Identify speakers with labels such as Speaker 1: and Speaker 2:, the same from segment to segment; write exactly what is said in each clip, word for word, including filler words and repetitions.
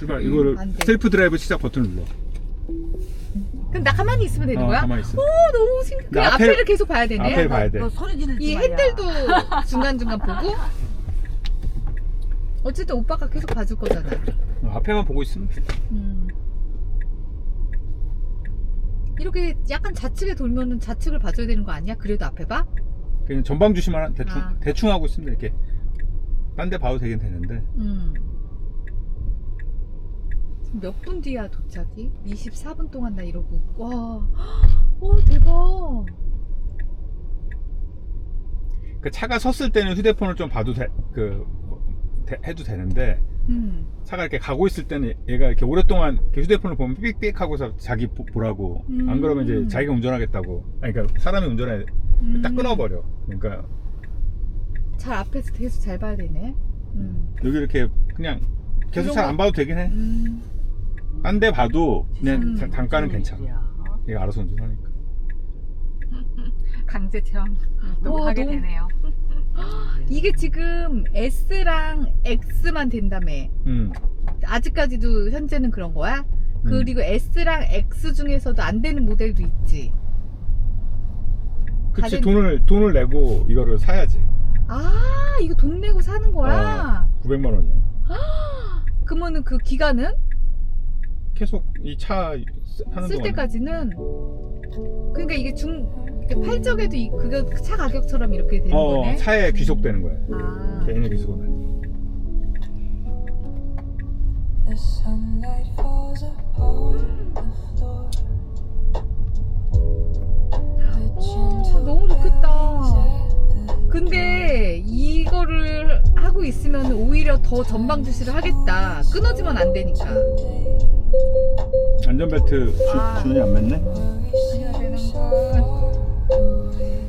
Speaker 1: 출발. 이거를
Speaker 2: 안 돼.
Speaker 1: 셀프 드라이브 시작 버튼을 눌러.
Speaker 2: 그럼 나 가만히 있으면 되는
Speaker 1: 어,
Speaker 2: 거야?
Speaker 1: 가만히 있어.
Speaker 2: 오 너무 신기해.
Speaker 1: 근데
Speaker 2: 그럼
Speaker 1: 앞에-
Speaker 2: 앞에를 계속 봐야 되네.
Speaker 1: 앞에를 봐야 돼.
Speaker 3: 너 소리 지르지
Speaker 2: 이
Speaker 3: 마야.
Speaker 2: 핸들도 중간중간 보고. 어쨌든 오빠가 계속 봐줄 거잖아.
Speaker 1: 어, 앞에만 보고 있으면 돼.
Speaker 2: 음. 이렇게 약간 좌측에 돌면은 좌측을 봐줘야 되는 거 아니야? 그래도 앞에 봐?
Speaker 1: 그냥 전방 주시만 대충
Speaker 2: 아.
Speaker 1: 대충 하고 있으면 돼. 이렇게 딴 데 봐도 되긴 되는데.
Speaker 2: 음. 몇 분 뒤야 도착이? 이십사 분 동안 나 이러고. 와, 와 대박.
Speaker 1: 그 차가 섰을 때는 휴대폰을 좀 봐도 돼, 그 대- 해도 되는데
Speaker 2: 음.
Speaker 1: 차가 이렇게 가고 있을 때는 얘가 이렇게 오랫동안 이렇게 휴대폰을 보면 삑삑 하고서 자기 보, 보라고.
Speaker 2: 음.
Speaker 1: 안 그러면 이제 자기가 운전하겠다고. 아니, 그러니까 사람이 운전해
Speaker 2: 음.
Speaker 1: 딱 끊어버려. 그러니까
Speaker 2: 잘 앞에서 계속 잘 봐야 되네. 음.
Speaker 1: 여기 이렇게 그냥 계속 잘 안 봐도 되긴 해.
Speaker 2: 음.
Speaker 1: 딴 데 봐도 그냥
Speaker 2: 음.
Speaker 1: 단- 단가는 괜찮아. 얘가 알아서 운전하니까.
Speaker 4: 강제 체험 또
Speaker 2: 와,
Speaker 4: 하게
Speaker 2: 너무-
Speaker 4: 되네요.
Speaker 2: 이게 지금 S랑 X만 된다며.
Speaker 1: 음.
Speaker 2: 아직까지도 현재는 그런 거야?
Speaker 1: 음.
Speaker 2: 그리고 S랑 X 중에서도 안 되는 모델도 있지.
Speaker 1: 그치.
Speaker 2: 가진-
Speaker 1: 돈을 돈을 내고 이거를 사야지.
Speaker 2: 아, 이거 돈 내고 사는 거야?
Speaker 1: 구백만 원이야.
Speaker 2: 그러면은 그 기간은?
Speaker 1: 계속 이 차 하는
Speaker 2: 쓸
Speaker 1: 동안
Speaker 2: 때까지는? 그러니까 이게 중, 이렇게 팔적에도 이, 그거 차 가격처럼 이렇게 되는
Speaker 1: 어,
Speaker 2: 거네?
Speaker 1: 차에 귀속되는 거야.
Speaker 2: 아.
Speaker 1: 개인의 귀속은 아니야.
Speaker 5: The sunlight falls upon the floor. The
Speaker 2: 오,
Speaker 5: gentle
Speaker 2: 너무 좋겠다.
Speaker 5: breeze at the
Speaker 2: 근데 이거를 하고 있으면 오히려 더 전방 주시를 하겠다. 끊어지면 안 되니까.
Speaker 1: 안전벨트 주,
Speaker 2: 아.
Speaker 1: 주연이 안 맸네?
Speaker 5: worries
Speaker 4: 해야 되는
Speaker 5: seem
Speaker 4: 걸.
Speaker 5: far away.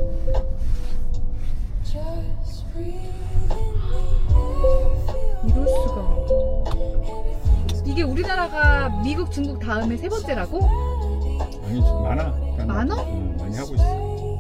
Speaker 5: Just breathe in the air, feel
Speaker 2: 이럴 수가. 이게 우리나라가 미국, 중국 다음에 세 번째라고?
Speaker 1: 아니, 많아. 그냥
Speaker 2: 많아?
Speaker 1: 응, 많이 하고 있어.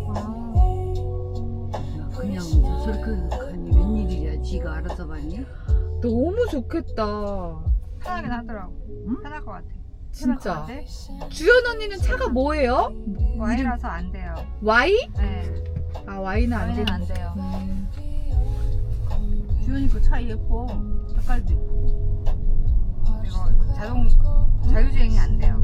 Speaker 2: 아,
Speaker 3: 그냥 저렇게 하니 웬일이야. 지가 알아서 봤니?
Speaker 2: 너무 좋겠다.
Speaker 4: 편하긴 하더라고.
Speaker 3: 응?
Speaker 4: 편할 것 같아.
Speaker 2: 진짜.
Speaker 4: 편할 것 같아.
Speaker 2: 주연 언니는 차가 뭐예요?
Speaker 4: Y라서 안 돼요.
Speaker 2: Y?
Speaker 4: 네.
Speaker 2: 아, Y는 안
Speaker 4: Y는
Speaker 2: 되는.
Speaker 4: 안 돼요.
Speaker 2: 음.
Speaker 3: 주연이 그 차 예뻐. 색깔도 예쁘고.
Speaker 4: 그리고 자동 자율주행이 안 돼요.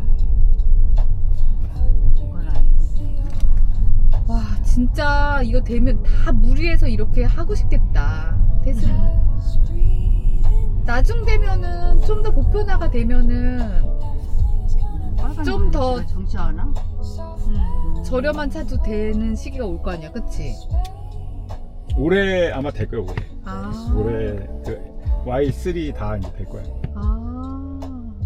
Speaker 3: 그건 아니고.
Speaker 2: 와, 진짜 이거 되면 다 무리해서 이렇게 하고 싶겠다. 테슬라. 나중 되면은 좀 더 보편화가 되면은 좀 더-
Speaker 3: 정치 않아?
Speaker 4: 음.
Speaker 2: 저렴한 차도 되는 시기가 올 거 아니야, 그치?
Speaker 1: 올해 아마 될 거야, 올해.
Speaker 2: 아.
Speaker 1: 올해 그 와이 쓰리 다 이제 될 거야.
Speaker 2: 아.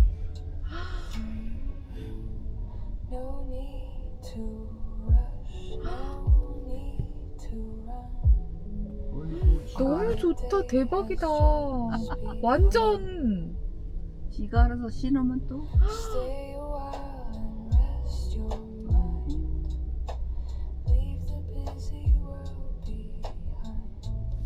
Speaker 5: no need to rush, no need to run.
Speaker 2: 너무 좋다. 대박이다. 완전.
Speaker 3: 지가 알아서 신으면 또.
Speaker 5: Stay a while and rest your mind. Leave the busy world behind.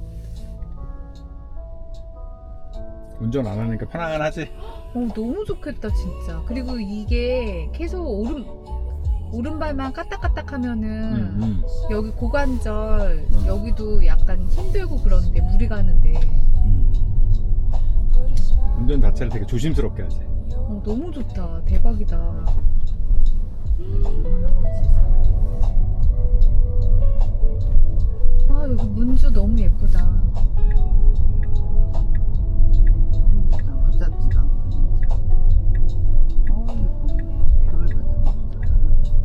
Speaker 1: 운전 안 하니까 편안하지?
Speaker 2: 어, 너무 좋겠다, 진짜. 그리고 이게 계속 오른, 오른발만 까딱까딱 하면은
Speaker 1: 음, 음.
Speaker 2: 여기 고관절,
Speaker 1: 음.
Speaker 2: 여기도 약간 힘들고 그런데, 무리 가는데.
Speaker 1: 음. 운전 자체를 되게 조심스럽게 하지.
Speaker 2: 어, 너무 좋다. 대박이다. 아, 여기 문주 너무 예쁘다.
Speaker 3: 핸드폰 붙잡지도 않고 진짜. 어 예뻐. 벽을 갖다 놓고.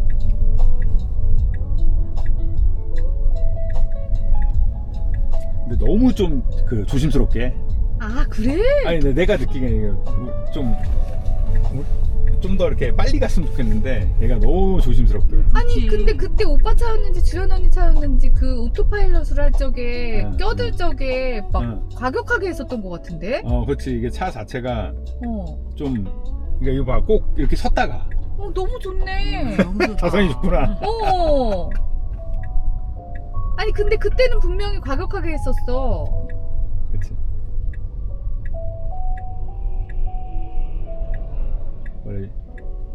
Speaker 1: 근데 너무 좀 그 조심스럽게 해.
Speaker 2: 아, 그래?
Speaker 1: 아니, 근데 내가 느끼기에는 좀 좀 더 이렇게 빨리 갔으면 좋겠는데 얘가 너무 조심스럽게.
Speaker 2: 아니,
Speaker 3: 그치.
Speaker 2: 근데 그때 오빠 차였는지 주연 언니 차였는지 그 오토파일럿을 할 적에,
Speaker 1: 응,
Speaker 2: 껴들 적에 막
Speaker 1: 응.
Speaker 2: 과격하게 했었던 것 같은데?
Speaker 1: 어, 그렇지. 이게 차 자체가
Speaker 2: 어.
Speaker 1: 좀, 그러니까 이거 봐, 꼭 이렇게 섰다가.
Speaker 2: 어, 너무 좋네.
Speaker 3: 너무 좋다.
Speaker 1: 자성이 좋구나.
Speaker 2: 어. 아니, 근데 그때는 분명히 과격하게 했었어.
Speaker 1: 그치.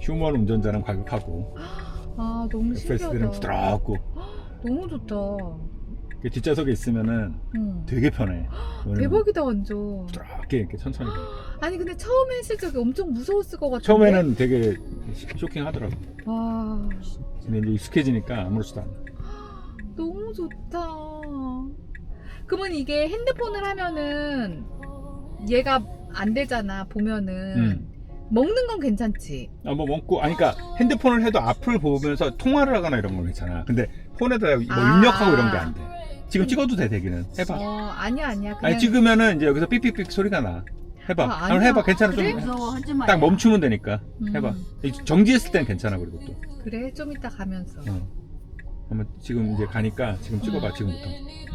Speaker 1: 휴먼 운전자는 과격하고
Speaker 2: 아 너무
Speaker 1: 에프에스디는
Speaker 2: 신기하다.
Speaker 1: 부드럽고
Speaker 2: 너무 좋다.
Speaker 1: 그 뒷좌석에 있으면은
Speaker 2: 응.
Speaker 1: 되게 편해. 왜냐면
Speaker 2: 대박이다 완전.
Speaker 1: 부드럽게 이렇게 천천히.
Speaker 2: 아니 근데 처음에 했을 적에 엄청 무서웠을 것 같은데.
Speaker 1: 처음에는 되게 쇼킹하더라고.
Speaker 2: 와
Speaker 1: 근데 이제 익숙해지니까 아무렇지도 않아.
Speaker 2: 너무 좋다. 그러면 이게 핸드폰을 하면은 얘가 안 되잖아 보면은.
Speaker 1: 음.
Speaker 2: 먹는 건 괜찮지.
Speaker 1: 아, 뭐 먹고, 아니, 그러니까 핸드폰을 해도 앞을 보면서 통화를 하거나 이런 건 괜찮아. 근데 폰에다 뭐
Speaker 2: 아.
Speaker 1: 입력하고 이런 게 안 돼. 지금 찍어도 돼, 되기는. 해봐.
Speaker 2: 어 아니야 아니야. 그냥
Speaker 1: 아니, 찍으면은 이제 여기서 삑삑삑 소리가 나. 해봐.
Speaker 2: 아,
Speaker 1: 한번
Speaker 2: 아니야.
Speaker 1: 해봐. 괜찮아.
Speaker 2: 그래?
Speaker 1: 좀.
Speaker 3: 무서워 하지 마.
Speaker 1: 딱 멈추면 되니까.
Speaker 2: 음.
Speaker 1: 해봐. 정지했을 땐 괜찮아, 그리고 또.
Speaker 2: 그래 좀 이따 가면서.
Speaker 1: 어. 한번 지금 이제 가니까 지금 찍어봐, 지금부터.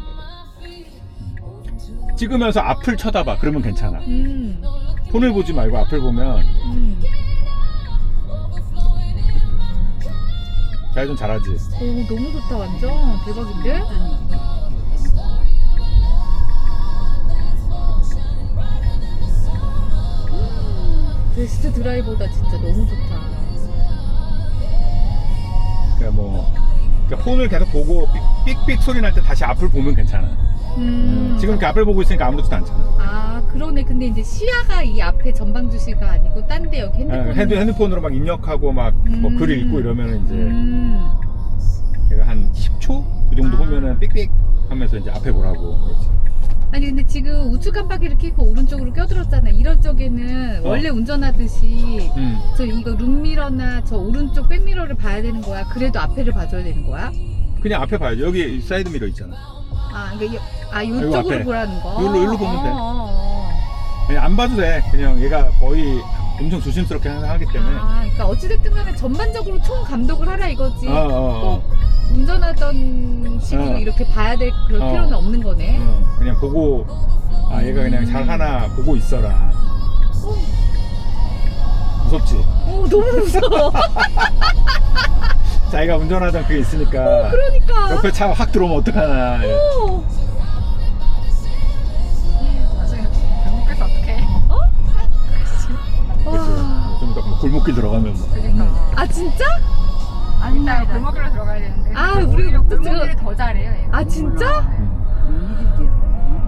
Speaker 1: 음. 찍으면서 앞을 쳐다봐. 그러면 괜찮아.
Speaker 2: 음.
Speaker 1: 폰을 보지 말고 앞을 보면
Speaker 2: 음.
Speaker 1: 잘 좀 잘하지.
Speaker 2: 오 너무 좋다 완전 대박인데? 베스트 드라이버다 진짜 너무 좋다.
Speaker 1: 그러니까 뭐 그러니까 폰을 계속 보고 삑삑 소리 날 때 다시 앞을 보면 괜찮아.
Speaker 2: 음.
Speaker 1: 지금 이렇게 앞을 보고 있으니까 아무렇지도 않잖아.
Speaker 2: 아 그러네. 근데 이제 시야가 이 앞에 전방 주시가 아니고 딴 데 여기 핸드폰.
Speaker 1: 아, 핸드, 핸드폰으로 막 입력하고 막 뭐
Speaker 2: 음.
Speaker 1: 글 읽고 이러면 이제
Speaker 2: 음.
Speaker 1: 걔가 한 십 초? 그 정도
Speaker 2: 아.
Speaker 1: 보면은 삑삑 하면서 이제 앞에 보라고. 그렇지.
Speaker 2: 아니 근데 지금 우측 깜빡이를 켜고 오른쪽으로 껴들었잖아. 이런 쪽에는
Speaker 1: 어.
Speaker 2: 원래 운전하듯이
Speaker 1: 음.
Speaker 2: 저 이거 룸미러나 저 오른쪽 백미러를 봐야 되는 거야? 그래도 앞에를 봐줘야 되는 거야?
Speaker 1: 그냥 앞에 봐야지. 여기 사이드 미러 있잖아.
Speaker 2: 아, 그러니까 이- 아
Speaker 1: 이거
Speaker 2: 이쪽으로
Speaker 1: 앞에.
Speaker 2: 보라는 거.
Speaker 1: 여기로, 여기로 보면 돼.
Speaker 2: 어, 어,
Speaker 1: 그냥 안 봐도 돼. 그냥 얘가 거의 엄청 조심스럽게 항상 하기
Speaker 2: 어.
Speaker 1: 때문에.
Speaker 2: 아, 그러니까 어찌됐든 간에 전반적으로 총 감독을 하라 이거지.
Speaker 1: 어, 어, 어.
Speaker 2: 꼭 운전하던 식으로
Speaker 1: 어.
Speaker 2: 이렇게 봐야 될 그런
Speaker 1: 어.
Speaker 2: 필요는 없는 거네.
Speaker 1: 어, 그냥 보고 아 얘가 그냥 잘 하나 보고 있어라. 무섭지?
Speaker 2: 오, 너무 무서워.
Speaker 1: 자기가 운전하던 그게 있으니까
Speaker 2: 그러니까.
Speaker 1: 옆에 차 확 들어오면 어떡하나.
Speaker 2: 오.
Speaker 4: 나중에 결국에서 어떻게?
Speaker 2: 와.
Speaker 1: 좀 더 골목길 들어가면 뭐.
Speaker 4: 그러니까.
Speaker 2: 아 진짜?
Speaker 4: 일단 골목길로 들어가야 되는데.
Speaker 2: 아,
Speaker 4: 근데
Speaker 2: 우리
Speaker 4: 오히려
Speaker 2: 목적지가-
Speaker 4: 골목길을 더 잘해요. 얘가.
Speaker 2: 아 진짜?
Speaker 1: 음.
Speaker 3: 일일이야.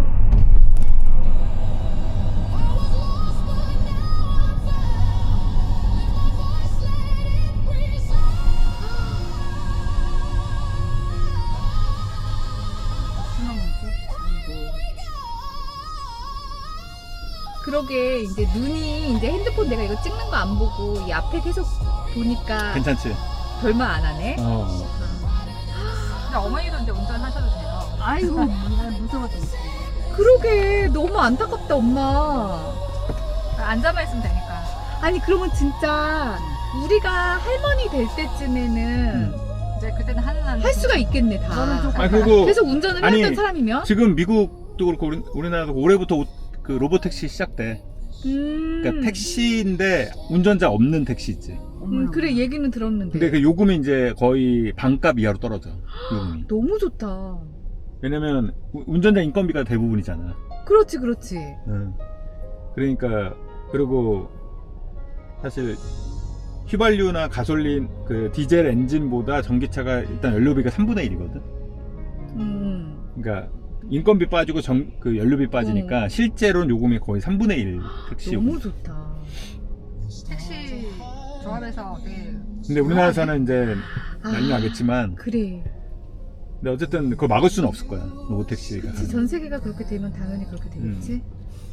Speaker 2: 그러게 이제 눈이 이제 핸드폰 내가 이거 찍는 거 안 보고 이 앞에 계속 보니까
Speaker 1: 괜찮지?
Speaker 2: 별말 안 하네.
Speaker 1: 어.
Speaker 4: 근데 어머니도 이제 운전하셔도 돼요.
Speaker 3: 아이고 난 무서워서 못해.
Speaker 2: 그러게 너무 안타깝다 엄마.
Speaker 4: 앉아만 있으면 되니까.
Speaker 2: 아니 그러면 진짜 우리가 할머니 될 때쯤에는
Speaker 1: 음.
Speaker 4: 이제 그때는 하는 한
Speaker 2: 할 수가 있겠네 다.
Speaker 3: 저는 좀
Speaker 1: 아 그리고
Speaker 2: 계속 운전을
Speaker 1: 아니,
Speaker 2: 해왔던 사람이면.
Speaker 1: 지금 미국도 그렇고 우리, 우리나라도 올해부터 오- 그 로봇 택시 시작돼.
Speaker 2: 음.
Speaker 1: 그러니까 택시인데 운전자 없는 택시 있지.
Speaker 2: 음, 그래 얘기는 들었는데.
Speaker 1: 근데 그 요금이 이제 거의 반값 이하로 떨어져. 요금이.
Speaker 2: 너무 좋다.
Speaker 1: 왜냐면 우- 운전자 인건비가 대부분이잖아.
Speaker 2: 그렇지 그렇지.
Speaker 1: 응. 그러니까 그리고 사실 휘발유나 가솔린 그 디젤 엔진보다 전기차가 일단 연료비가 삼분의 일이거든.
Speaker 2: 음.
Speaker 1: 그러니까 인건비 빠지고 전, 그 연료비 빠지니까 실제로는 요금이 거의 삼분의 일 택시 요금.
Speaker 2: 너무 좋다.
Speaker 4: 택시 조합에서 되게
Speaker 1: 근데 우리나라에서는 이제 난리
Speaker 2: 아,
Speaker 1: 나겠지만
Speaker 2: 그래.
Speaker 1: 근데 어쨌든 그걸 막을 수는 없을 거야. 로봇 택시가.
Speaker 2: 그치, 전 세계가 그렇게 되면 당연히 그렇게 되겠지.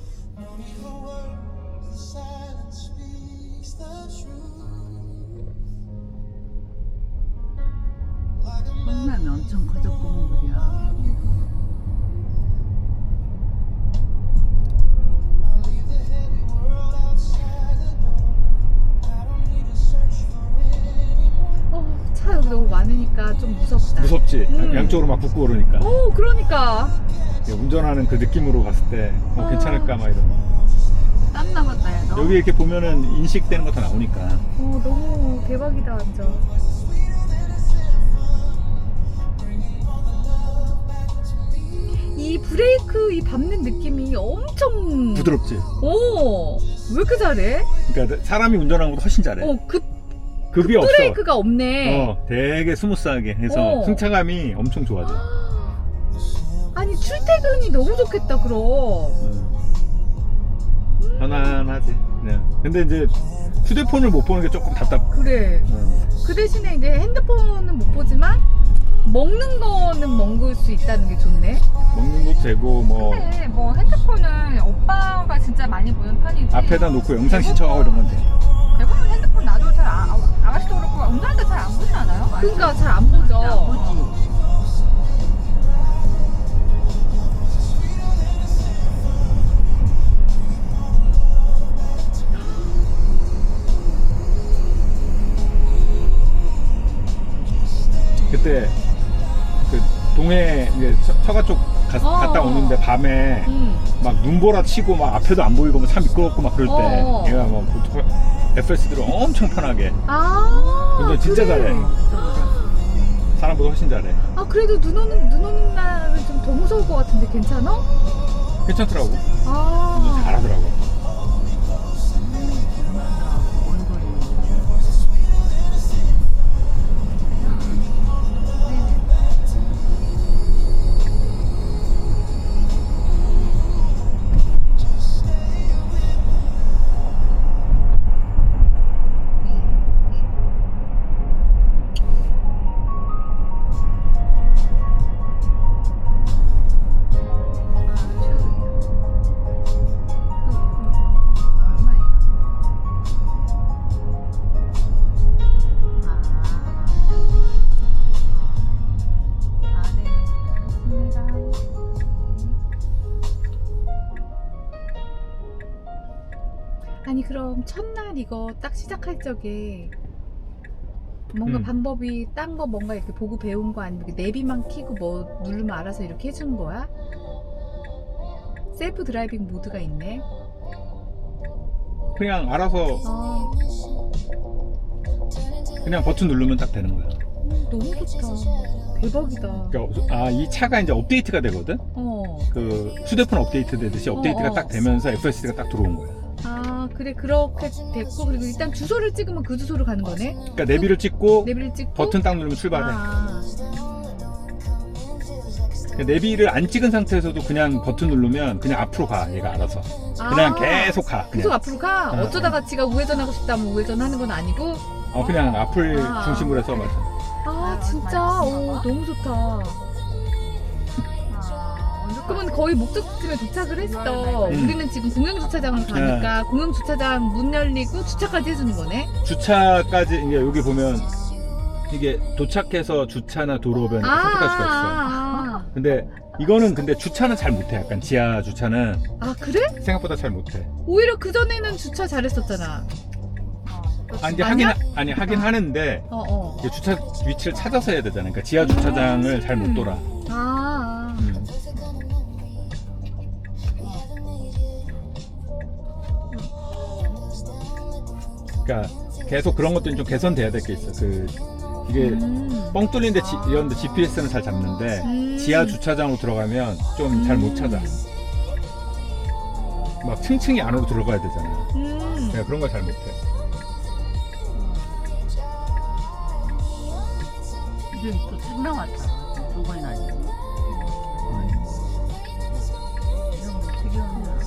Speaker 3: 성남이 엄청 커졌구먼 그려.
Speaker 2: 어, 차 여기 너무 많으니까 좀 무섭다.
Speaker 1: 무섭지.
Speaker 2: 음.
Speaker 1: 양쪽으로 막 붙고 그러니까.
Speaker 2: 오, 그러니까.
Speaker 1: 운전하는 그 느낌으로 봤을 때 어,
Speaker 2: 아.
Speaker 1: 괜찮을까 막 이런.
Speaker 3: 땀 나갔다 야 너.
Speaker 1: 여기 이렇게 보면은 인식되는 거 다 나오니까.
Speaker 2: 어, 너무 대박이다 완전. 이 브레이크 이 밟는 느낌이 엄청
Speaker 1: 부드럽지.
Speaker 2: 오, 왜 이렇게 잘해?
Speaker 1: 그러니까 사람이 운전하는 것보다 훨씬 잘해.
Speaker 2: 어, 급
Speaker 1: 급이 없어.
Speaker 2: 브레이크가 없네.
Speaker 1: 어, 되게 스무스하게 해서
Speaker 2: 어.
Speaker 1: 승차감이 엄청 좋아져.
Speaker 2: 아니 출퇴근이 너무 좋겠다 그럼.
Speaker 1: 어. 편안하지. 그냥. 근데 이제 휴대폰을 못 보는 게 조금 답답.
Speaker 2: 그래.
Speaker 1: 어.
Speaker 2: 그 대신에 이제 핸드폰은 못 보지만 먹는 거는 먹을 수 있다는 게 좋네.
Speaker 1: 먹는 것도 되고 뭐
Speaker 4: 근데 뭐 핸드폰은 오빠가 진짜 많이 보는 편이지.
Speaker 1: 앞에다 놓고 영상 신청하고 이런 건 돼.
Speaker 4: 대부분 핸드폰 나도 잘 아, 아, 아가씨도 그렇고 운전할 때 잘 안 보지 않아요?
Speaker 2: 그러니까 잘 안 보죠.
Speaker 3: 보지.
Speaker 1: 그때 그 동해 이제 처- 처가 쪽 가-
Speaker 2: 어.
Speaker 1: 갔다 오는데 밤에
Speaker 2: 음.
Speaker 1: 막 눈보라 치고 막 앞에도 안 보이고 막 차 미끄럽고 막 그럴 때
Speaker 2: 어.
Speaker 1: 얘가 막 보통 에프에스들을 엄청 편하게
Speaker 2: 아.
Speaker 1: 운전 진짜
Speaker 2: 그래.
Speaker 1: 잘해. 사람보다 훨씬 잘해.
Speaker 2: 아 그래도 눈 오는 눈 오는 날은 좀 더 무서울 것 같은데 괜찮아?
Speaker 1: 괜찮더라고.
Speaker 2: 아.
Speaker 1: 운전 잘하더라고.
Speaker 3: 원거리.
Speaker 2: 아니 그럼 첫날 이거 딱 시작할 적에 뭔가
Speaker 1: 음.
Speaker 2: 방법이 딴 거 뭔가 이렇게 보고 배운 거 아니면 이렇게 내비만 키고 뭐 누르면 알아서 이렇게 해주는 거야? 셀프 드라이빙 모드가 있네.
Speaker 1: 그냥 알아서
Speaker 2: 아
Speaker 1: 그냥 버튼 누르면 딱 되는 거야.
Speaker 2: 너무 좋다. 대박이다.
Speaker 1: 그러니까 아, 이 차가 이제 업데이트가 되거든.
Speaker 2: 어.
Speaker 1: 그 휴대폰 업데이트 되듯이 업데이트가
Speaker 2: 어, 어.
Speaker 1: 딱 되면서 에프에스디가 딱 들어온 거야.
Speaker 2: 아 그래 그렇게 됐고 그리고 일단 주소를 찍으면 그 주소로 가는 거네.
Speaker 1: 그러니까 내비를 찍고
Speaker 2: 내비를 찍고
Speaker 1: 버튼 딱 누르면 출발해.
Speaker 2: 아,
Speaker 1: 그러니까 내비를 안 찍은 상태에서도 그냥 버튼 누르면 그냥 앞으로 가. 얘가 알아서. 그냥
Speaker 2: 아.
Speaker 1: 계속 가. 그냥.
Speaker 2: 계속 앞으로 가?
Speaker 1: 어,
Speaker 2: 어쩌다가 지가 우회전하고 싶다면 우회전하는 건 아니고?
Speaker 1: 어, 그냥 앞을
Speaker 2: 아.
Speaker 1: 중심으로 해서 맞아.
Speaker 2: 아 진짜 오 너무 좋다. 그러면 거의 목적지에 도착을 했어.
Speaker 1: 음.
Speaker 2: 우리는 지금 공영주차장을 가니까 공영주차장 문 열리고 주차까지 해주는 거네.
Speaker 1: 주차까지 이제 여기 보면 이게 도착해서 주차나 도로변 이렇게 선택할 수가 있어.
Speaker 2: 아,
Speaker 1: 근데 이거는 근데 주차는 잘 못해. 약간 지하 주차는
Speaker 2: 아 그래?
Speaker 1: 생각보다 잘 못해.
Speaker 2: 오히려 그 전에는 주차 잘했었잖아.
Speaker 1: 아 이제
Speaker 2: 아니야?
Speaker 1: 하긴 하- 아니 하긴 하는데
Speaker 2: 어 어.
Speaker 1: 이게 주차 위치를 찾아서 해야 되잖아. 그러니까 지하 주차장을 잘 못 돌아.
Speaker 2: 아, 아.
Speaker 1: 음. 그러니까 계속 그런 것들이 좀 개선돼야 될 게 있어. 그 이게
Speaker 2: 음.
Speaker 1: 뻥 뚫린데 지, 이런데 지피에스는 잘 잡는데
Speaker 2: 음.
Speaker 1: 지하 주차장으로 들어가면 좀 잘 못 찾아. 막 층층이 안으로 들어가야 되잖아.
Speaker 2: 음.
Speaker 1: 내가 그런 걸 잘 못해.
Speaker 3: 이제 또 책 나왔다. 두 번이나 아니고. 이런 거 어떻게 하냐.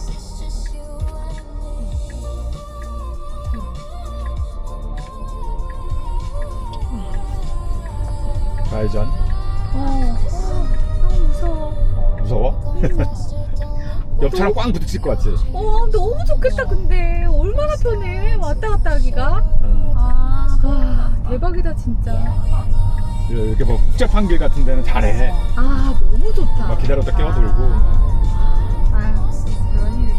Speaker 1: 좌회전.
Speaker 2: 어. 어. 너무 무서워.
Speaker 1: 무서워? 옆 차랑 꽝 부딪힐 것 같지?
Speaker 2: 어 너무 좋겠다 근데 얼마나 편해 왔다 갔다 하기가.
Speaker 1: 어.
Speaker 4: 아,
Speaker 2: 와 대박이다 진짜.
Speaker 1: 이렇게 뭐 복잡한 길 같은 데는 잘해.
Speaker 2: 아 너무 좋다.
Speaker 1: 막 기다렸다 끼어들고.
Speaker 4: 아유, 그런 일이.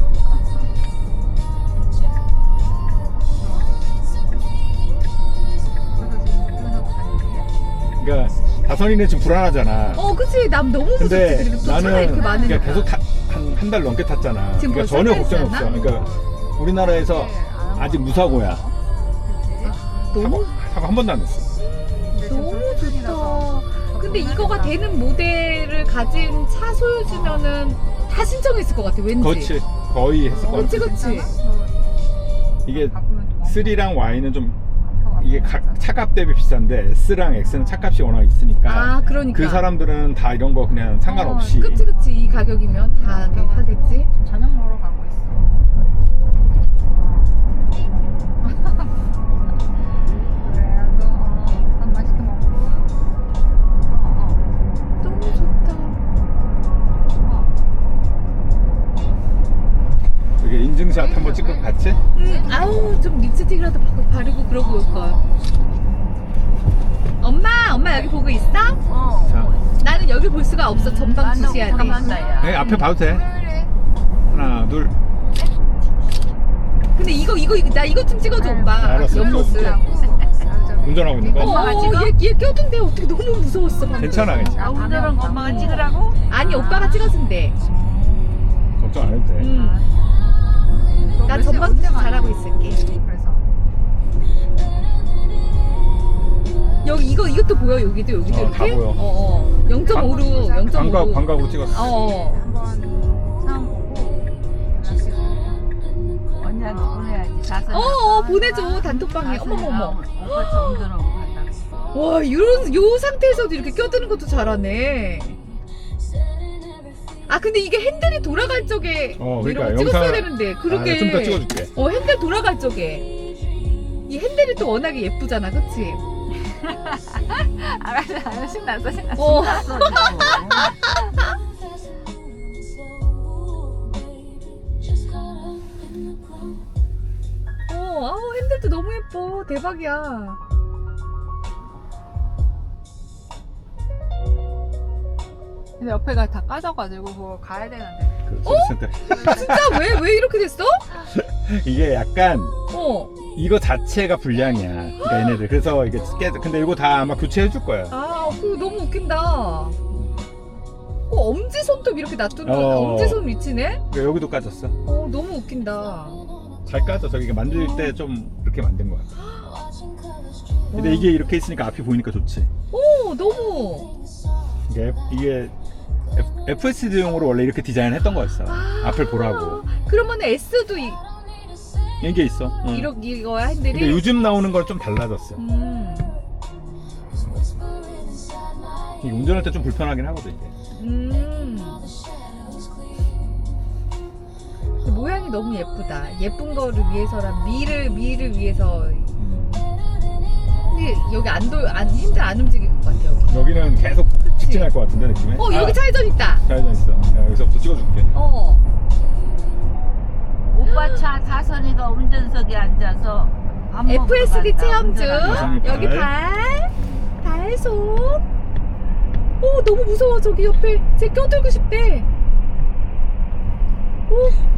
Speaker 4: 그래서 지금 운전하고 다니는데.
Speaker 1: 그러니까 다선이는 지금 불안하잖아.
Speaker 2: 어 그치 남 너무 무섭지.
Speaker 1: 근데
Speaker 2: 그리고 또 차가
Speaker 1: 나는
Speaker 2: 이렇게 많으니까.
Speaker 1: 그러니까 계속 한 한 달 넘게 탔잖아.
Speaker 2: 지금
Speaker 1: 그러니까
Speaker 2: 벌써
Speaker 1: 전혀
Speaker 2: 한
Speaker 1: 걱정이
Speaker 2: 달이지
Speaker 1: 없어.
Speaker 2: 않아?
Speaker 1: 그러니까 우리나라에서 아직 무사고야.
Speaker 2: 너무
Speaker 1: 사고 한 번도 안 했어.
Speaker 2: 너무 좋다. 근데 이거가 되는 모델을 가진 차 소유주면은 다 신청했을 것 같아 왠지.
Speaker 1: 그렇지. 거의 했을 것
Speaker 2: 그치
Speaker 1: 같아.
Speaker 2: 그치.
Speaker 1: 이게 삼이랑 Y는 좀 이게 각 차값 대비 비싼데 S랑 X는 차값이 워낙 있으니까
Speaker 2: 아 그러니까.
Speaker 1: 그 사람들은 다 이런 거 그냥 상관없이
Speaker 2: 어, 그치 그치 이 가격이면 다 하게 하겠지.
Speaker 4: 저녁 먹으러 가고 있어. 그래도 어, 밥 맛있게 먹고. 어, 어,
Speaker 2: 너무 좋다.
Speaker 4: 어.
Speaker 1: 이게 인증샷 한번 찍고 같이
Speaker 2: 음, 아우 좀 립스틱이라도 바- 바르고 그러고 올 걸. 엄마 엄마 여기 보고 있어?
Speaker 4: 어.
Speaker 1: 자,
Speaker 2: 나는 여기 볼 수가 없어. 전방 주시해야 돼.
Speaker 1: 네, 앞에 봐도 돼.
Speaker 4: 그래.
Speaker 1: 하나 둘
Speaker 2: 근데 이거 이거 이거- 나 이것 좀 찍어줘 오빠.
Speaker 1: 알았어,
Speaker 2: 옆모습.
Speaker 1: 운전하고 있는 거
Speaker 2: 어, 얘, 얘 껴둔데 어떻게 너무 무서웠어 방금.
Speaker 1: 괜찮아 괜찮아
Speaker 4: 아, 운전한 거 엄마가 찍으라고?
Speaker 2: 아니 오빠가 찍어준대.
Speaker 1: 걱정 안 해도 돼.
Speaker 2: 음. 나 전방 주시 잘하고 있을게.
Speaker 4: 그래서
Speaker 2: 여기 이거 이것도 보여 여기도 여기도
Speaker 1: 어,
Speaker 2: 이렇게.
Speaker 1: 다 보여.
Speaker 2: 어, 어. 영 점 오로 영 점
Speaker 1: 광각
Speaker 2: 오로.
Speaker 1: 광각으로 찍었어.
Speaker 2: 어. 어.
Speaker 4: 한번 상황 보고 언니한테 보내야지. 자선.
Speaker 2: 어, 어 보내줘 단톡방에. 어머머머.
Speaker 3: 오빠 차 운전하고 간다고.
Speaker 2: 와 이런 요 상태에서도 이렇게 껴드는 것도 잘하네. 아 근데 이게 핸들이 돌아갈 적에
Speaker 1: 어, 그러니까
Speaker 2: 이런 거 찍었어야
Speaker 1: 영상-
Speaker 2: 되는데 그렇게.
Speaker 1: 아, 좀 더 찍어줄게.
Speaker 2: 어 핸들 돌아갈 적에 이 핸들이 또 워낙에 예쁘잖아, 그치?
Speaker 4: 아, 신났어, 신났어.
Speaker 2: 어. 어, 아우 핸들도 너무 예뻐, 대박이야.
Speaker 4: 근데 옆에가 다 까져가지고 그거 가야 되는데.
Speaker 1: 그 소리 센터.
Speaker 2: 진짜 왜 왜 이렇게 됐어?
Speaker 1: 이게 약간
Speaker 2: 어,
Speaker 1: 이거 자체가 불량이야. 그러니까 얘네들 그래서 이게 깨 근데 이거 다 아마 교체해 줄 거야.
Speaker 2: 아, 그거 너무 웃긴다. 어, 엄지 손톱 이렇게 놔두는
Speaker 1: 어.
Speaker 2: 엄지 손 위치네?
Speaker 1: 그러니까 여기도 까졌어.
Speaker 2: 어, 너무 웃긴다.
Speaker 1: 잘 까져. 저기 만들 때 좀 이렇게 만든 거야. 근데 이게 이렇게 있으니까 앞이 보이니까 좋지.
Speaker 2: 오, 너무.
Speaker 1: 이게, 이게 에프에스디용으로 원래 이렇게 디자인했던 거였어. 앞을 보라고.
Speaker 2: 그러면 S도 이,
Speaker 1: 이게 있어. 응.
Speaker 2: 이러, 이거야 핸들이?
Speaker 1: 근데 요즘 나오는 건 좀 달라졌어.
Speaker 2: 음,
Speaker 1: 이게 운전할 때 좀 불편하긴 하거든 이게.
Speaker 2: 음. 근데 모양이 너무 예쁘다. 예쁜 거를 위해서란 미를 미를 위해서. 근데 여기 안 돌, 안 핸들 안 움직일 것 같아 여기.
Speaker 1: 여기는 계속 직진할 것 같은데 느낌에.
Speaker 2: 어 여기
Speaker 1: 아,
Speaker 2: 차회전 있다.
Speaker 1: 좌회전 있어. 야, 여기서부터 찍어줄게.
Speaker 2: 어.
Speaker 3: 오빠 차 다선이가 운전석에 앉아서 밥 먹으러
Speaker 2: 에프에스디
Speaker 3: 간다,
Speaker 2: 체험 중.
Speaker 3: 운전하고.
Speaker 1: 다선이
Speaker 2: 여기
Speaker 1: 발.
Speaker 2: 발, 발 손. 오 너무 무서워 저기 옆에 쟤 껴들고 싶대. 오.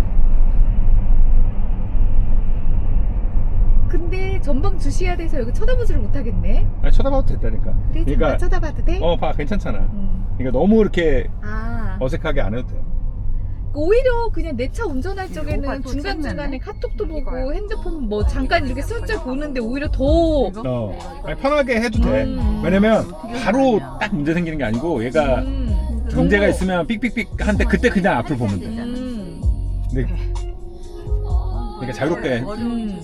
Speaker 2: 근데 전방 주시해야 돼서 여기 쳐다보지를 못하겠네.
Speaker 1: 아니, 쳐다봐도 됐다니까.
Speaker 2: 그래 잠깐 쳐다봐도 돼?
Speaker 1: 어, 봐, 괜찮잖아.
Speaker 2: 음.
Speaker 1: 그러니까 너무 이렇게
Speaker 2: 아
Speaker 1: 어색하게 안 해도 돼.
Speaker 2: 오히려 그냥 내 차 운전할
Speaker 3: 오빠
Speaker 2: 적에는
Speaker 3: 또
Speaker 2: 중간 중간에
Speaker 3: 쨌네.
Speaker 2: 카톡도 보고
Speaker 4: 이거야.
Speaker 2: 핸드폰 뭐 잠깐 이렇게 슬쩍 보는데 오히려 더.
Speaker 1: 어, 아니, 편하게 해도 돼.
Speaker 2: 음.
Speaker 1: 왜냐면 바로 딱 문제 생기는 게 아니고 얘가
Speaker 2: 음.
Speaker 1: 문제가
Speaker 2: 너무-
Speaker 1: 있으면 삑삑삑 한데 그때 그냥 앞을 보면 돼.
Speaker 2: 음.
Speaker 1: 근데 그러니까 자유롭게.
Speaker 2: 음.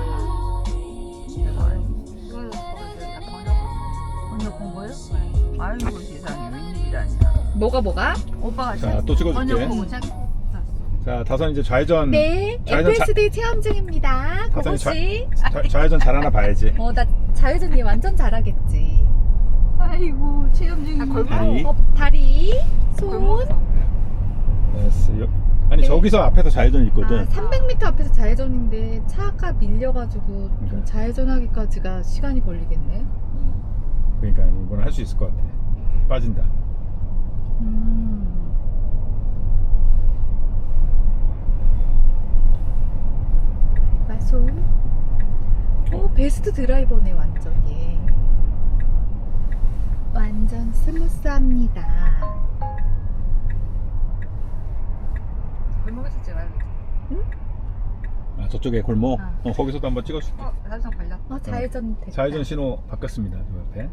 Speaker 3: 번역 본 거요? 아이고 세상에 웬일이라냐.
Speaker 2: 뭐가 뭐가?
Speaker 3: 오빠가
Speaker 1: 자, 또 찍어줄게.
Speaker 3: 번역 보고 책
Speaker 1: 자, 다선 이제 좌회전.
Speaker 2: 네,
Speaker 1: 좌회전
Speaker 2: 에프에스디 체험 중입니다.
Speaker 1: 다선이 좌-
Speaker 2: 그것이.
Speaker 1: 좌, 좌회전 잘하나 봐야지.
Speaker 2: 어, 나 좌회전 얘 완전 잘하겠지.
Speaker 3: 아이고 체험 중이고.
Speaker 4: 골목.
Speaker 1: 다리.
Speaker 2: 어, 다리, 손.
Speaker 4: 골목에서.
Speaker 1: 됐어. 요- 아니
Speaker 2: 네.
Speaker 1: 저기서 앞에서 좌회전 있거든.
Speaker 2: 아, 삼백 미터 앞에서 좌회전인데 차가 밀려가지고 좀
Speaker 1: 그러니까.
Speaker 2: 좌회전하기까지가 시간이 걸리겠네.
Speaker 1: 그러니까 이번에 할 수 있을 것 같아. 빠진다.
Speaker 2: 음. 마소. 어, 베스트 드라이버네 완전 얘. 완전 스무스합니다.
Speaker 4: 골목에서 찍어야겠다.
Speaker 1: 아, 저쪽에 골목.
Speaker 2: 아.
Speaker 1: 어, 거기서도 한번 찍어줄게.
Speaker 4: 어, 사진상 걸렸다.
Speaker 2: 어, 좌회전 됐다.
Speaker 1: 좌회전 신호 바뀌었습니다. 저 옆에.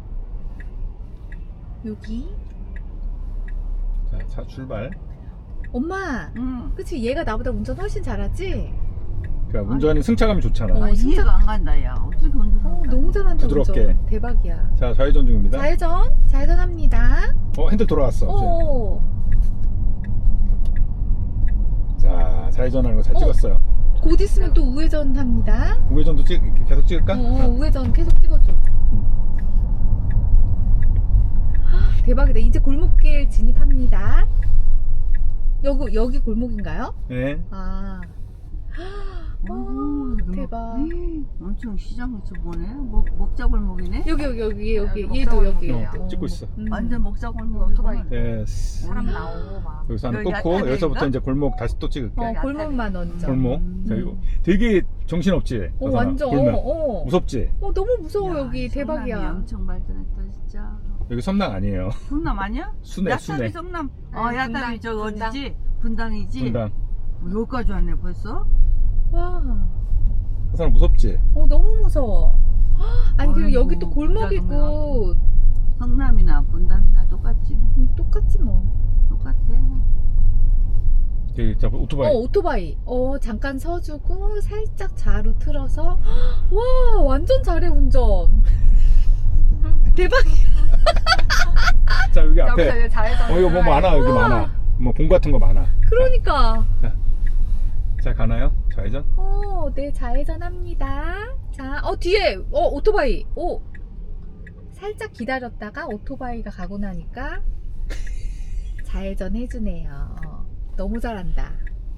Speaker 2: 여기.
Speaker 1: 자, 차 출발.
Speaker 2: 엄마,
Speaker 3: 응.
Speaker 2: 그치 얘가 나보다 운전 훨씬 잘하지?
Speaker 1: 그러니까 운전이 승차감이 좋잖아.
Speaker 2: 어,
Speaker 3: 아,
Speaker 2: 진짜-
Speaker 3: 이해가 안 간다 야. 어떻게 운전?
Speaker 2: 어, 너무 잘한다.
Speaker 1: 부드럽게.
Speaker 2: 운전. 대박이야.
Speaker 1: 자, 좌회전 중입니다.
Speaker 2: 좌회전, 좌회전합니다.
Speaker 1: 어, 핸들 돌아왔어.
Speaker 2: 오,
Speaker 1: 자, 좌회전하는 거 잘
Speaker 2: 어.
Speaker 1: 찍었어요.
Speaker 2: 곧 있으면 또 우회전 합니다.
Speaker 1: 우회전도 찍, 이렇게 계속 찍을까?
Speaker 2: 어, 어, 우회전 계속 찍어줘. 헉, 대박이다. 이제 골목길 진입합니다. 여기 여기 골목인가요?
Speaker 1: 네.
Speaker 2: 아,
Speaker 3: 오,
Speaker 2: 오,
Speaker 3: 너무-
Speaker 2: 대박.
Speaker 3: 에이, 엄청 시장에서 보네. 먹 먹자골목이네.
Speaker 2: 여기 여기 여기 여기
Speaker 4: 여기
Speaker 2: 얘도 여기.
Speaker 4: 먹자골목이에요.
Speaker 1: 어, 찍고 있어.
Speaker 2: 음.
Speaker 3: 완전 먹자골목.
Speaker 4: 오토바이.
Speaker 1: 됐어.
Speaker 4: 사람 나오고 막.
Speaker 1: 여기서 하나
Speaker 3: 여기
Speaker 1: 끊고
Speaker 3: 아타리인가?
Speaker 1: 여기서부터 이제 골목 다시 또 찍을게.
Speaker 2: 어, 골목만 얹어.
Speaker 1: 골목.
Speaker 3: 음.
Speaker 1: 자, 이거 되게 정신없지?
Speaker 2: 어,
Speaker 1: 나선아?
Speaker 2: 완전.
Speaker 1: 골목.
Speaker 2: 어, 어.
Speaker 1: 무섭지?
Speaker 2: 어, 너무 무서워
Speaker 3: 야,
Speaker 2: 여기.
Speaker 3: 성남이
Speaker 2: 대박이야.
Speaker 3: 엄청 발전했다 진짜.
Speaker 1: 여기 섬랑 아니에요.
Speaker 3: 성남 아니야?
Speaker 1: 순회,
Speaker 3: 야탑이
Speaker 1: 순회.
Speaker 3: 성남.
Speaker 4: 네,
Speaker 3: 어, 야탑이
Speaker 4: 분당,
Speaker 3: 저거
Speaker 4: 분당.
Speaker 3: 어디지? 분당이지.
Speaker 1: 분당.
Speaker 3: 어, 여기까지 왔네 벌써.
Speaker 2: 와.
Speaker 1: 나선아 무섭지?
Speaker 2: 어, 너무 무서워. 헉, 아니 그리고
Speaker 3: 아이고,
Speaker 2: 여기 또 골목이고
Speaker 3: 성남이나 분당이나 똑같지.
Speaker 2: 음, 똑같지 뭐.
Speaker 3: 똑같아.
Speaker 1: 여기 자, 오토바이.
Speaker 2: 어, 오토바이. 어, 잠깐 서주고 살짝 좌로 틀어서 헉, 와, 완전 잘해 운전. 대박이야.
Speaker 1: 자, 여기
Speaker 4: 여기서
Speaker 1: 앞에.
Speaker 4: 이제 좌회전.
Speaker 1: 어, 이거 뭐 많아. 여기 많아. 뭐 봉 같은 거 많아.
Speaker 2: 그러니까.
Speaker 1: 자, 가나요? 좌회전?
Speaker 2: 어, 네, 좌회전합니다. 자, 어, 뒤에, 어, 오토바이. 오. 살짝 기다렸다가 오토바이가 가고 나니까 좌회전 해주네요. 너무 잘한다.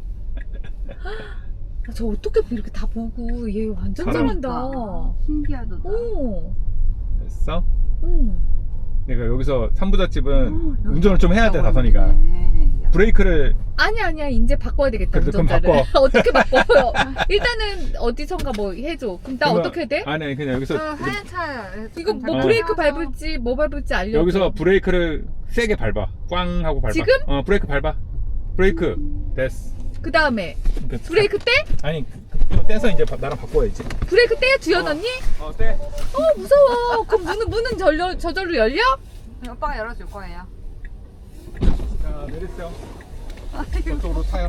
Speaker 2: 아, 저 어떻게 이렇게 다 보고, 얘 완전
Speaker 1: 사람-
Speaker 2: 잘한다.
Speaker 3: 그러니까. 신기하다.
Speaker 2: 오,
Speaker 1: 됐어?
Speaker 2: 응.
Speaker 1: 그러니까 여기서 삼부잣집은
Speaker 3: 어, 여기
Speaker 1: 운전을 좀 해야 돼, 다선이가.
Speaker 3: 네, 야.
Speaker 1: 브레이크를
Speaker 2: 아니야, 아니야. 이제 바꿔야 되겠다.
Speaker 1: 그래도 그럼
Speaker 2: 운전자를.
Speaker 1: 바꿔.
Speaker 2: 어떻게 바꿔요? 일단은 어디선가 뭐 해줘. 그럼 나
Speaker 1: 그러면-
Speaker 2: 어떻게 돼?
Speaker 1: 아니, 그냥 여기서
Speaker 4: 저 하얀 차.
Speaker 2: 이거 뭐
Speaker 1: 어.
Speaker 2: 브레이크 밟을지 뭐 밟을지 알려줘.
Speaker 1: 여기서 브레이크를 세게 밟아. 꽝 하고 밟아.
Speaker 2: 지금?
Speaker 1: 어, 브레이크 밟아. 브레이크. 됐어.
Speaker 2: 그 다음에
Speaker 1: 그-
Speaker 2: 브레이크 떼?
Speaker 1: 아니, 그- 떼서 이제 바- 나랑 바꿔야지.
Speaker 2: 브레이크 떼? 주연 언니?
Speaker 1: 어, 떼.
Speaker 2: 어 무서워. 그럼 문은 문은 절려, 저절로 열려?
Speaker 4: 오빠가 열어줄 거예요.
Speaker 1: 자, 내리세요. 저쪽으로 타요.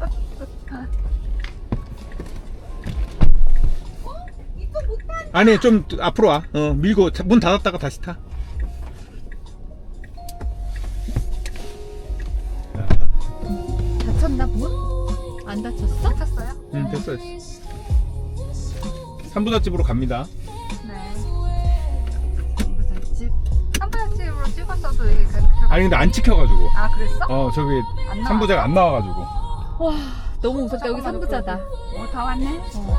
Speaker 2: 이거 못 타.
Speaker 1: 아니, 좀 앞으로 와. 어, 밀고 자- 문 닫았다가 다시 타. 자,
Speaker 2: 다쳤나 문? 안 다쳤어?
Speaker 4: 탔어요?
Speaker 1: 음, 됐어, 됐어. 삼부잣집으로 갑니다.
Speaker 4: 네. 삼부잣집. 삼부잣집으로 찍었어도 이게 그. 그-
Speaker 1: 아니, 근데 안 찍혀가지고.
Speaker 4: 아 그랬어?
Speaker 1: 어, 저기
Speaker 4: 안 나와.
Speaker 1: 삼부자가 안 나와가지고.
Speaker 2: 와 너무 무섭다. 여기 삼부자다.
Speaker 3: 어, 다 왔네.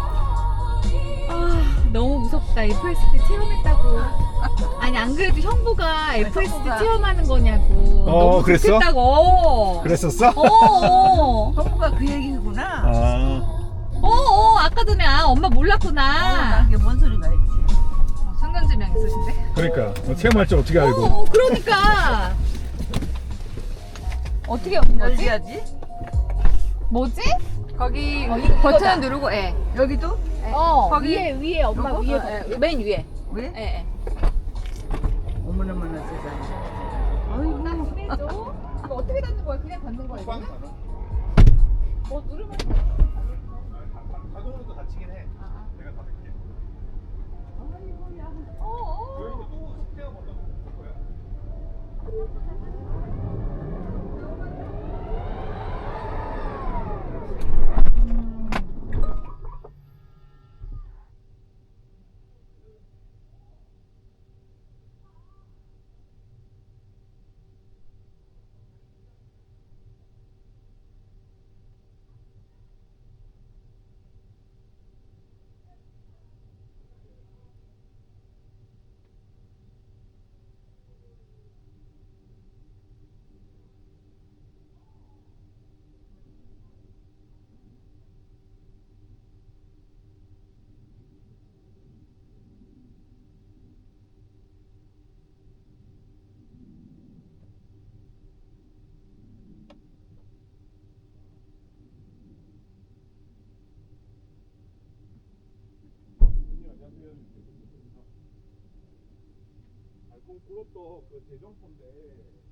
Speaker 2: 아 너무 무섭다. 에프에스디 체험했다고. 아니 안 그래도 형부가 에프에스디
Speaker 3: 형부가.
Speaker 2: 체험하는 거냐고.
Speaker 1: 어,
Speaker 2: 너무
Speaker 1: 그랬어?
Speaker 2: 좋겠다고. 어.
Speaker 1: 그랬었어?
Speaker 2: 어, 어.
Speaker 3: 형부가 그 얘기구나.
Speaker 1: 아,
Speaker 2: 어, 어, 아까 전에 아 엄마
Speaker 3: 아,
Speaker 2: 몰랐구나.
Speaker 3: 이게 뭔 소리가 있지?
Speaker 4: 어, 성견지명 있으신데?
Speaker 1: 그러니까. 어, 체험할 줄 어떻게
Speaker 2: 어,
Speaker 1: 알고.
Speaker 2: 어, 그러니까. 어떻게 온 거지?
Speaker 3: 열리야지.
Speaker 2: 뭐지?
Speaker 4: 거기
Speaker 2: 어, 이거
Speaker 4: 버튼
Speaker 2: 이거다.
Speaker 4: 누르고 예.
Speaker 3: 여기도?
Speaker 2: 어,
Speaker 4: 거기-
Speaker 2: 위에 위에 엄마
Speaker 3: 요거?
Speaker 2: 위에
Speaker 3: 어,
Speaker 2: 버튼. 맨 위에.
Speaker 3: 왜?
Speaker 2: 예. 예.
Speaker 3: 어머나머나 세상에.
Speaker 2: 나
Speaker 3: 아이고.
Speaker 2: 보내줘. 이거 어떻게 닫는 거야? 그냥 닫는 거야? 이거는? 뭐 누르면
Speaker 1: 자동으로도 닫히긴 해. 내가 닫을게.
Speaker 2: 어, 어.
Speaker 1: 여기도 또 숙제가 먼저 볼 거야. 그것도 그 대정포인데